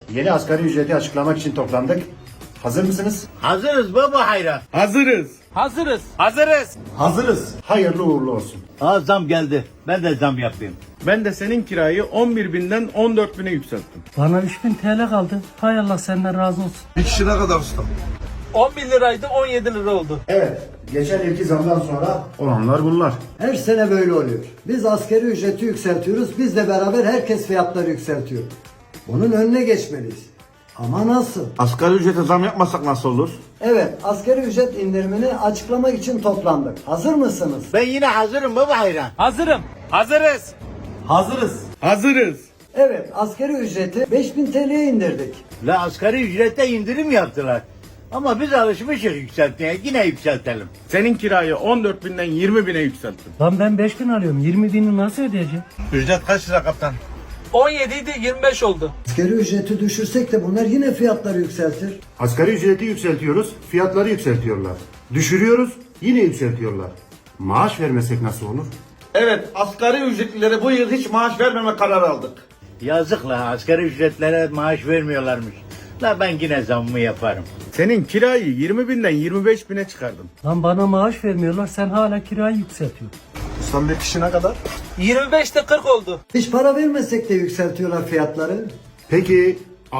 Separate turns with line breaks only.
Yeni asgari ücreti açıklamak için toplandık. Hazır mısınız?
Hazırız baba hayran.
Hazırız.
Hazırız.
Hazırız.
Hazırız. Hayırlı uğurlu olsun.
Zam geldi. Ben de zam yapayım.
Ben de senin kirayı 11.000'den 14.000'e yükselttim.
Bana 3000 TL kaldı. Hay Allah senden razı olsun.
Bir kişi ne kadar usta?
11 liraydı 17 lira oldu.
Evet, geçen yılki zamdan sonra olanlar bunlar.
Her sene böyle oluyor. Biz asgari ücreti yükseltiyoruz, bizle beraber herkes fiyatları yükseltiyor. Bunun önüne geçmeliyiz. Ama nasıl?
Asgari ücrete zam yapmasak nasıl olur?
Evet, asgari ücret indirimini açıklamak için toplandık. Hazır mısınız?
Ben yine hazırım baba hayran.
Hazırım.
Hazırız.
Hazırız.
Hazırız.
Evet, asgari ücreti 5000 TL'ye indirdik.
La asgari ücrette indirim yaptılar. Ama biz alışmışız yükseltmeye. Yine yükseltelim.
Senin kirayı 14.000'den 20.000'e yükselttim.
Lan ben 5000 alıyorum. 20 bini nasıl ödeyeceğim?
Ücret kaç lira kaptan?
17 idi 25 oldu.
Asgari ücreti düşürsek de bunlar yine fiyatları yükseltir.
Asgari ücreti yükseltiyoruz, fiyatları yükseltiyorlar. Düşürüyoruz, yine yükseltiyorlar. Maaş vermesek nasıl olur?
Evet, asgari ücretlilere bu yıl hiç maaş vermeme kararı aldık.
Yazık la asgari ücretlere maaş vermiyorlarmış. La ben yine zammımı yaparım.
Senin kirayı 20.000'den 25.000'e çıkardım.
Lan bana maaş vermiyorlar. Sen hala kirayı yükseltiyorsun.
Ustam bir kişi ne kadar?
25'te 40 oldu.
Hiç para vermesek de yükseltiyorlar fiyatları.
Peki